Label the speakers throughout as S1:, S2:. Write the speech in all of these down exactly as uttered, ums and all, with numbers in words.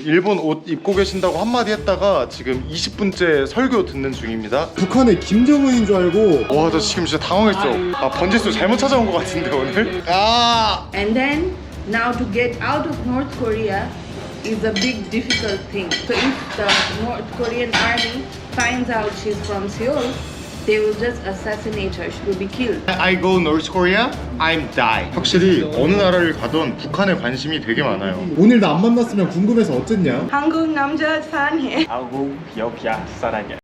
S1: 일본 옷 입고 계신다고 한마디 했다가 지금 이십 분째 설교 듣는 중입니다.
S2: 북한의 김정은인 줄 알고.
S1: 와, 저 지금 진짜 당황했어. 아, 번지수 잘못 찾아온 것 같은데 오늘? 아!
S3: And then now to get out of North Korea is a big difficult thing. So if the North Korean army finds out she's from Seoul, they will just assassinate her. She will be killed.
S1: I go North Korea, I'm die. 확실히 어느 나라를 가던 북한에 관심이 되게 많아요.
S2: 오늘 나 안 만났으면 궁금해서 어쨌냐?
S3: 한국 남자 사랑해.
S4: 한국 여자 사랑해.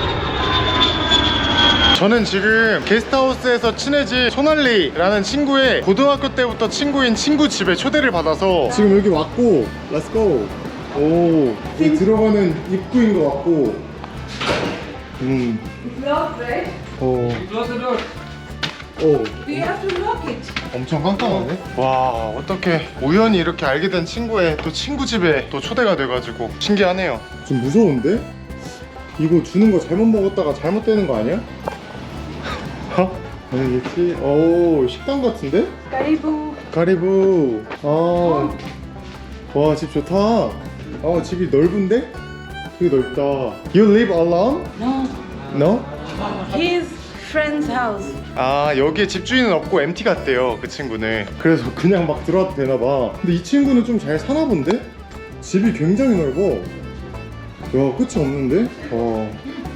S1: 저는 지금 게스트하우스에서 친해진 손할리라는 친구의 고등학교 때부터 친구인 친구 집에 초대를 받아서
S2: 지금 여기 왔고, Let's go. 오, 여기 들어가는 입구인 것 같고. 음,
S3: It's locked, right?
S2: 어,
S4: Close the door.
S2: 오,
S3: We have to lock it.
S2: 엄청 깜깜하네.
S1: 와, 어떻게 우연히 이렇게 알게 된 친구의 또 친구 집에 또 초대가 돼가지고 신기하네요.
S2: 좀 무서운데? 이거 주는 거 잘못 먹었다가 잘못되는 거 아니야? 어? 아니겠지? 오, 식당 같은데?
S3: Karibu.
S2: 가리부. 아, 와, 집 좋다. 아, 집이 넓은데? 되게 넓다. You live alone?
S3: No,
S2: No?
S3: his friend's house.
S1: 아, 여기에 집주인은 없고 엠티 같대요, 그 친구는.
S2: 그래서 그냥 막 들어와도 되나봐. 근데 이 친구는 좀 잘 사나 본데? 집이 굉장히 넓어. 야, 끝이 없는데? 어.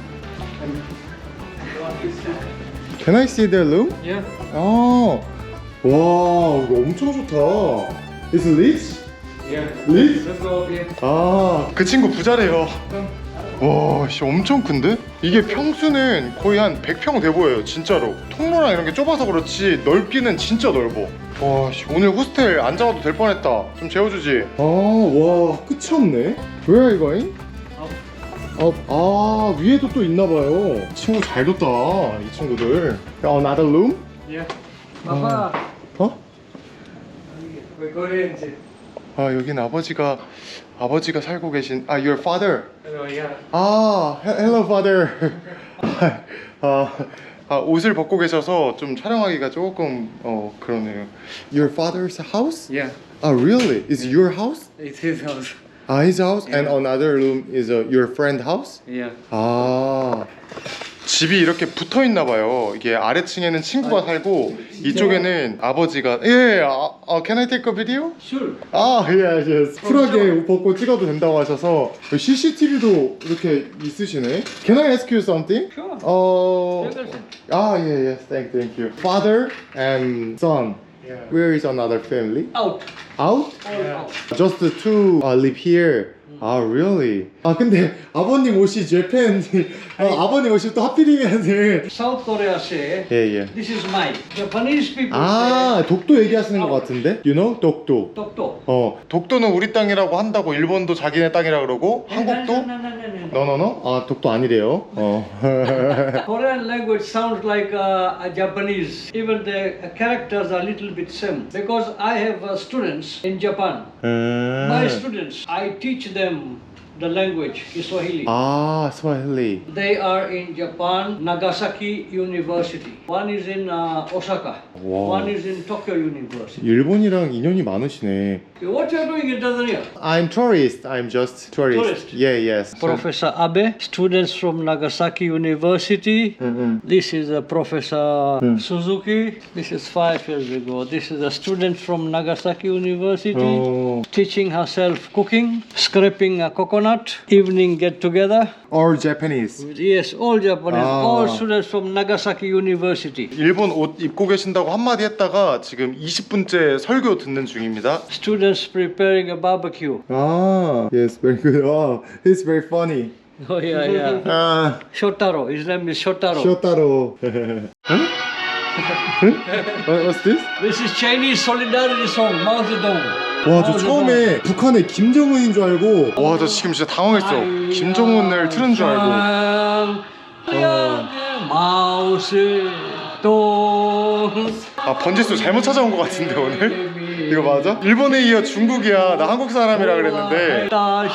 S2: Can I see their room?
S4: Yeah.
S2: 아, 와, 이거 엄청 좋다. Is it rich?
S4: Yeah.
S2: Rich?
S4: Let's go up here.
S2: 아,
S1: 그 친구 부자래요. 와, 씨, 엄청 큰데? 이게 평수는 거의 한 백 평 돼 보여요, 진짜로. 통로랑 이런 게 좁아서 그렇지 넓기는 진짜 넓어. 와, 씨, 오늘 호스텔 안 잡아도 될 뻔했다. 좀 재워주지.
S2: 아, 와, 끝이 없네. Where are you going? 어, 아, 위에도 또 있나봐요. 친구 잘 뒀다, 이 친구들. 어, another room?
S4: Yeah. Papa,
S2: 어?
S4: we're going to.
S1: 아, 여긴 아버지가 아버지가 살고 계신. 아, your father.
S4: Hello, yeah.
S1: 아, he- hello father. 아, 아, 옷을 벗고 계셔서 좀 촬영하기가 조금 어 그러네요. Your father's house?
S4: Yeah.
S1: Ah, really? Is your house?
S4: It's his house.
S1: Ah, his house, and
S4: Yeah.
S1: another room is uh, your friend house?
S4: Yeah.
S1: 아, 집이 이렇게 붙어 있나 봐요. 이게 아래층에는 친구가 살고 이쪽에는 아버지가. 예, 아, 아, can I take a video?
S4: Sure.
S1: 아, yes, yes. 쿨하게 옷 벗고 찍어도 된다고 하셔서 씨씨티비도 이렇게 있으시네. Can I ask you something?
S4: Sure.
S1: 어,
S4: Everything.
S1: 아, 예, yes, thank, thank you. Father and son.
S4: Yeah.
S1: Where is another family?
S4: Out.
S1: Out?
S4: All out.
S1: Just the two uh, live here. 아, really?
S2: 아, 근데 아버님 옷이 재팬. 아, 아버님 옷이 또 하필이면은.
S4: South Korea say,
S1: 예, 예.
S4: this is mine. Japanese people
S2: 아, 독도 얘기하시는 것 같은데? You know? 독도.
S4: say, Tokto.
S1: 어, 독도는 우리 땅이라고 한다고 일본도 자기네 땅이라 그러고 한국도?
S4: No, no, no, no, no, no.
S1: 너너너?
S2: 아, 독도 아니래요. 어.
S4: Korean language sounds like uh, a Japanese. Even the uh, characters are a little bit same. Because I have uh, students in Japan. My students, I teach them the language, Kiswahili.
S1: 아, 스와힐리.
S4: They are in Japan, Nagasaki University. One is in uh, Osaka.
S1: Wow.
S4: One is in Tokyo University.
S1: 일본이랑 인연이 많으시네.
S4: What you are doing in Tanzania?
S1: I'm tourist. I'm just tourist.
S4: Tourist?
S1: Yeah, yes.
S4: Professor Abe, students from Nagasaki University. This is a Professor Suzuki. This is five years ago. This is a student from Nagasaki University,
S1: Oh.
S4: teaching herself cooking, scraping a coconut, evening get together.
S1: All Japanese.
S4: Yes, all Japanese,
S1: Ah.
S4: all students from Nagasaki University.
S1: 일본 옷 입고 계신다고 한마디 했다가 지금 이십 분째 설교 듣는 중입니다.
S4: Students preparing a barbecue.
S2: 아, yes, very good. 아, it's very funny.
S4: Oh yeah, yeah.
S1: 아,
S4: Shotaro, his name is Shotaro.
S2: 쇼타로.
S1: what- what's this?
S4: This is Chinese solidarity song, Mao Zedong.
S2: 와, 저 처음에 북한의 김정은인 줄 알고.
S1: 와, 저 지금 진짜 당황했어. 김정은을 틀은 줄 알고.
S4: 마오세동.
S1: 아, 번지수 잘못 찾아온 것 같은데 오늘? 이거 맞아? 일본에 이어 중국이야. 나 한국 사람이라 그랬는데.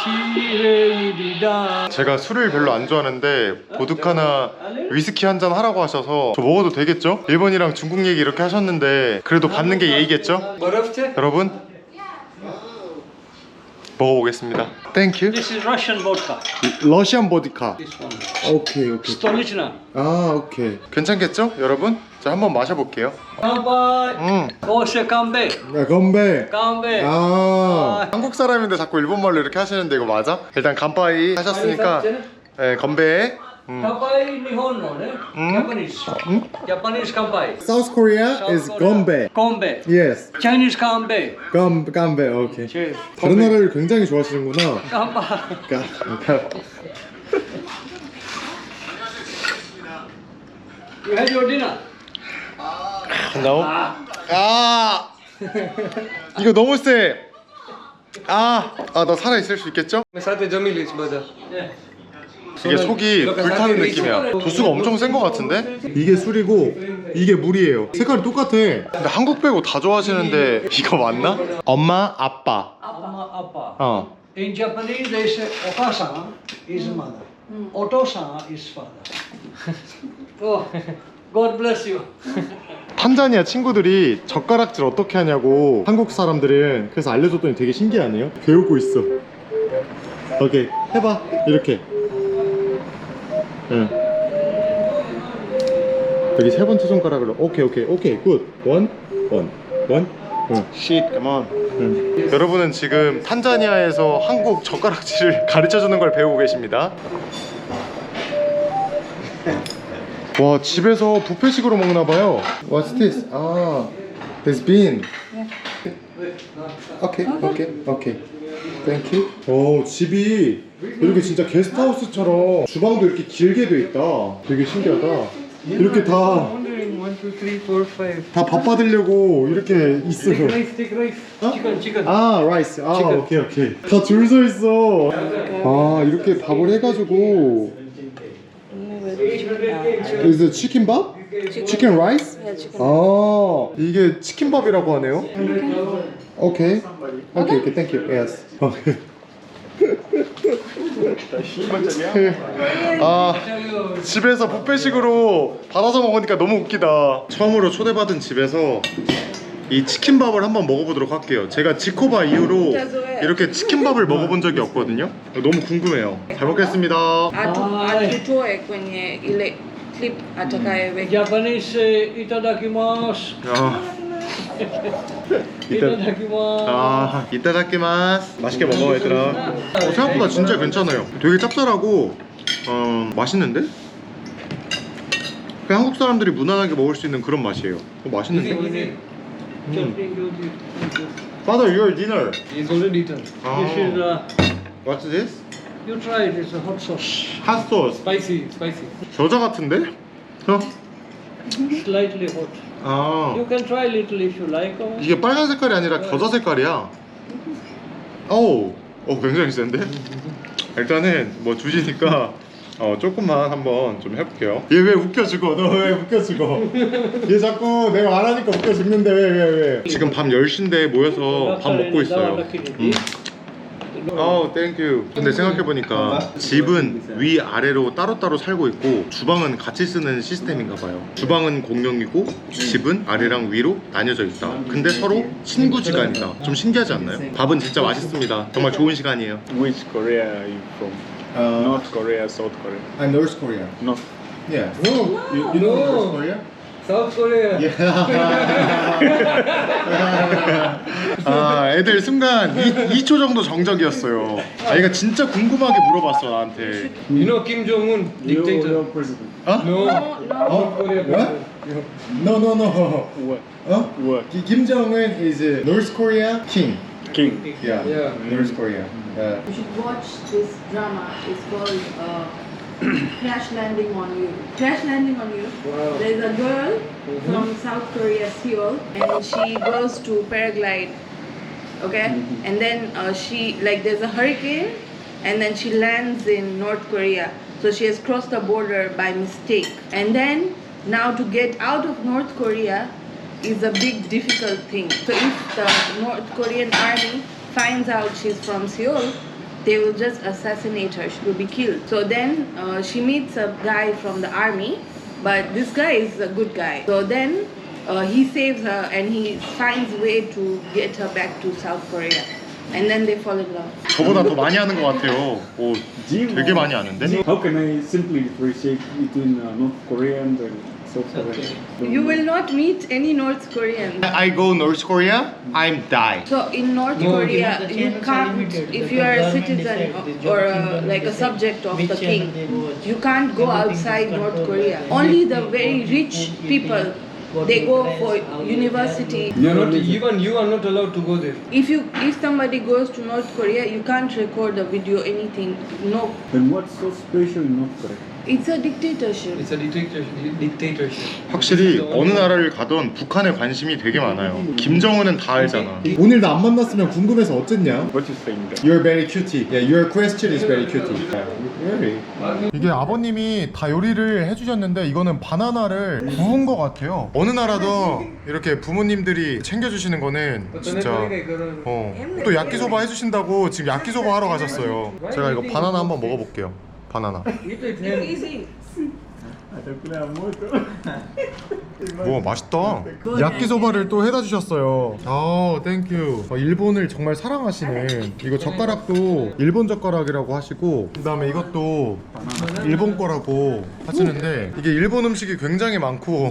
S1: 제가 술을 별로 안 좋아하는데 보드카나 위스키 한 잔 하라고 하셔서 저 먹어도 되겠죠? 일본이랑 중국 얘기 이렇게 하셨는데 그래도 받는 게 예의겠죠? 여러분, 먹어보겠습니다. 땡큐.
S4: This is Russian vodka.
S1: 러시안 보디카.
S4: This one.
S1: 오케이 오케이.
S4: Stolichna.
S1: 아 오케이. 괜찮겠죠, 여러분? 자 한번 마셔볼게요.
S4: Kampai.
S1: 음.
S4: Kose kambe.
S1: 야, 건배.
S4: Kambe.
S1: 아, 한국 사람인데 자꾸 일본말로 이렇게 하시는데 이거 맞아? 일단 간파이 하셨으니까 네, 건배. 음.
S4: Kampai Nihonno, ne? Japanese.
S1: 음?
S4: Japanese kampai.
S2: South Korea
S4: South
S2: is
S4: Korea.
S2: 건배.
S4: Kombe.
S2: Yes.
S4: Chinese kambe.
S2: 건 건배. 오케이.
S4: Cheers.
S2: 다른 나라를 굉장히 좋아하시는구나.
S4: Kampai. You had your dinner?
S1: 나오? 아 이거 너무 세. 아, 아, 나 살아 있을 수 있겠죠?
S4: Yeah.
S1: 이게 속이 불타는 느낌이야. 도수가 엄청 센 것 같은데? 이게 술이고 이게 물이에요. 색깔이 똑같아. 근데 한국 빼고 다 좋아하시는데 이거 맞나? 엄마, 아빠.
S4: Amma, appa.
S1: 어.
S4: In Japanese, they say Okasama is mother. Otosama is father. Oh, God bless you.
S1: 탄자니아 친구들이 젓가락질 어떻게 하냐고 한국 사람들은 그래서 알려줬더니 되게 신기하네요. 배우고 있어. 오케이, 해봐. 이렇게. 응. 여기 세 번째 손가락으로. 오케이, 오케이, 오케이. 굿. 원, 원, 원. 응. Shit, come on. 응. 여러분은 지금 탄자니아에서 한국 젓가락질을 가르쳐주는 걸 배우고 계십니다. 와, 집에서 뷔페식으로 먹나봐요. What's this? 아, there's bean. 오케이, 오케이, 오케이. Thank you. 오, 집이 이렇게 진짜 게스트하우스처럼 주방도 이렇게 길게 돼 있다. 되게 신기하다. 이렇게 다 다 밥 받으려고 이렇게 있어요.
S4: Chicken, chicken.
S1: 아, 라이스. 아, 오케이, 오케이. 다 줄 서 있어. 아, 이렇게 밥을 해가지고. Is it chicken 밥? Chicken rice? 아, 이게 치킨밥이라고 하네요. 오케이. 오케이, 오케이. Thank you. Yes. 아, 집에서 뷔페식으로 받아서 먹으니까 너무 웃기다. 처음으로 초대받은 집에서 이 치킨밥을 한번 먹어보도록 할게요. 제가 지코바 이후로 이렇게 치킨밥을 먹어본 적이 없거든요. 너무 궁금해요. 잘 먹겠습니다.
S3: Atutoe kwenye ile clip atakaye
S4: Japanese eh, itadakimasu.
S1: 아, 이따,
S4: Itadakimasu.
S1: 아, 이따다키마스. 맛있게 먹어, 얘들아. 어, 생각보다 진짜 괜찮아요. 되게 짭짤하고 어, 맛있는데? 그냥 한국 사람들이 무난하게 먹을 수 있는 그런 맛이에요. 어, 맛있는데? Father, your dinner.
S4: It's already eaten.
S1: Ah.
S4: This is uh,
S1: What's this?
S4: you try it. It's a hot sauce.
S1: Hot sauce.
S4: Spicy, spicy.
S1: 겨자 같은데? 어?
S4: Slightly hot.
S1: 아,
S4: You can try a little if you like. Or...
S1: 이게 빨간 색깔이 아니라 겨자 색깔이야. 어우, 어, 굉장히 센데? 일단은 뭐 주시니까 어, 조금만 한번 좀 해볼게요. 얘 왜 웃겨 죽어? 너 왜 웃겨 죽어? 얘 자꾸 내가 말하니까 웃겨 죽는데 왜 왜 왜? 지금 밤 열 시인데 모여서 밥 먹고 있어요. 음. 아우, 땡큐. 근데 생각해보니까 집은 위아래로 따로따로 살고 있고 주방은 같이 쓰는 시스템인가 봐요. 주방은 공용이고 집은 아래랑 위로 나뉘어져 있다. 근데 서로 친구지간이다. 좀 신기하지 않나요? 밥은 진짜 맛있습니다. 정말 좋은 시간이에요.
S5: Which Korea are you from?
S2: Uh,
S5: North Korea, South Korea?
S2: I'm North Korea.
S5: North.
S2: Yeah. No. You, you know North Korea?
S4: South Korea.
S1: 아, 애들 순간 이 초 정도 정적이었어요. 아, 얘가 진짜 궁금하게 물어봤어 나한테.
S4: You know Kim Jong Un, dictator.
S5: president.
S1: 어?
S4: No.
S2: Oh, what? No, no, no.
S5: What?
S2: Huh?
S5: What?
S2: Ki- Kim Jong Un is a North Korea king.
S5: King.
S2: Yeah.
S4: Yeah.
S2: North Korea. Yeah.
S3: You should watch this drama. It's called uh, Crash Landing on You. Crash Landing on You.
S4: Wow.
S3: There's a girl from South Korea, Seoul, and she goes to paraglide. Okay, and then uh, she like there's a hurricane, and then she lands in North Korea. So she has crossed the border by mistake, and then now to get out of North Korea is a big difficult thing. So if the North Korean army finds out she's from Seoul, they will just assassinate her. She will be killed. So then uh, she meets a guy from the army, but this guy is a good guy. So then uh, he saves her and he finds a way to get her back to South Korea. and then they fall in love.
S1: 저보다 더 많이 하는 것 같아요. 오,
S5: Gym.
S1: 되게 많이 하는데?
S5: How can I simply differentiate between uh, North Korean and South Korean?
S3: You will not meet any North Korean.
S1: I go North Korea, I'm die.
S3: So in North
S6: No,
S3: Korea,
S6: the
S3: you
S6: channels are
S3: can't,
S6: limited.
S3: if
S6: The
S3: you are a
S6: government
S3: citizen
S6: decide, the
S3: or
S6: job
S3: a,
S6: kingdom
S3: like a
S6: decide
S3: subject of
S6: which
S3: the
S6: channel
S3: king,
S6: they watch.
S3: you can't go
S6: Everything is
S3: outside North
S6: controlled
S3: Korea.
S6: by
S3: Only the
S6: everything,
S3: very
S6: what
S3: rich
S6: food eating,
S3: people,
S6: what
S3: they
S6: you
S3: go
S6: dress,
S3: for
S6: how you
S3: university.
S6: wear,
S7: You're not even you are not allowed to go there.
S3: If you if somebody goes to North Korea, you can't record a video, anything. No,
S5: Then what's so special in North Korea?
S3: it's a dictatorship.
S7: It's a dictatorship. Dictatorship.
S1: 확실히 어느 나라를 가던 북한에 관심이 되게 많아요. 김정은은 다 알잖아.
S2: 오늘 나 안 만났으면 궁금해서 어쨌냐?
S5: What you saying there?
S2: You're very cutie. Yeah, your question is very cutie. Really?
S1: 이게 아버님이 다 요리를 해주셨는데 이거는 바나나를 구운 것 같아요. 어느 나라도 이렇게 부모님들이 챙겨주시는 거는 진짜 어. 또 야끼소바 해주신다고 지금 야끼소바 하러 가셨어요. 제가 이거 바나나 한번 먹어볼게요. 바나나.
S3: Easy.
S1: 와 맛있다. 야끼소바를 또 해다 주셨어요. 아 땡큐. 아, 일본을 정말 사랑하시네. 이거 젓가락도 일본 젓가락이라고 하시고 그 다음에 이것도 일본 거라고 하시는데 이게 일본 음식이 굉장히 많고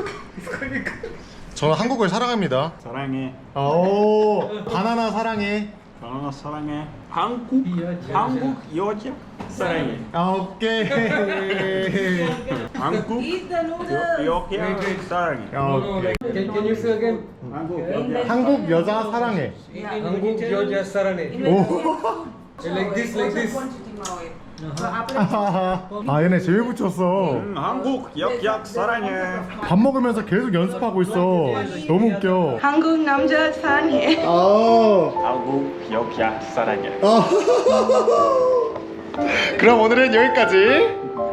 S1: 저는 한국을 사랑합니다.
S5: 사랑해.
S1: 오 바나나 사랑해.
S5: 바나나 사랑해. 한국 한국 여자 사랑해.
S1: 아 오케이.
S5: 한국
S3: Eat the noodles.
S5: 여자 사랑해.
S1: 아, 오케이.
S7: Can, can you say again?
S5: 한국 여자.
S1: 한국 여자 사랑해.
S7: Hanguk Georgia Sarane. Like this, like this.
S1: 아 얘네 제일 붙였어.
S5: 음, 한국 여자 사랑해.
S1: 밥 먹으면서 계속 연습하고 있어. 너무 웃겨.
S3: 한국 남자 사랑해.
S2: 아.
S5: 한국 여자 사랑해.
S1: 그럼 오늘은 여기까지.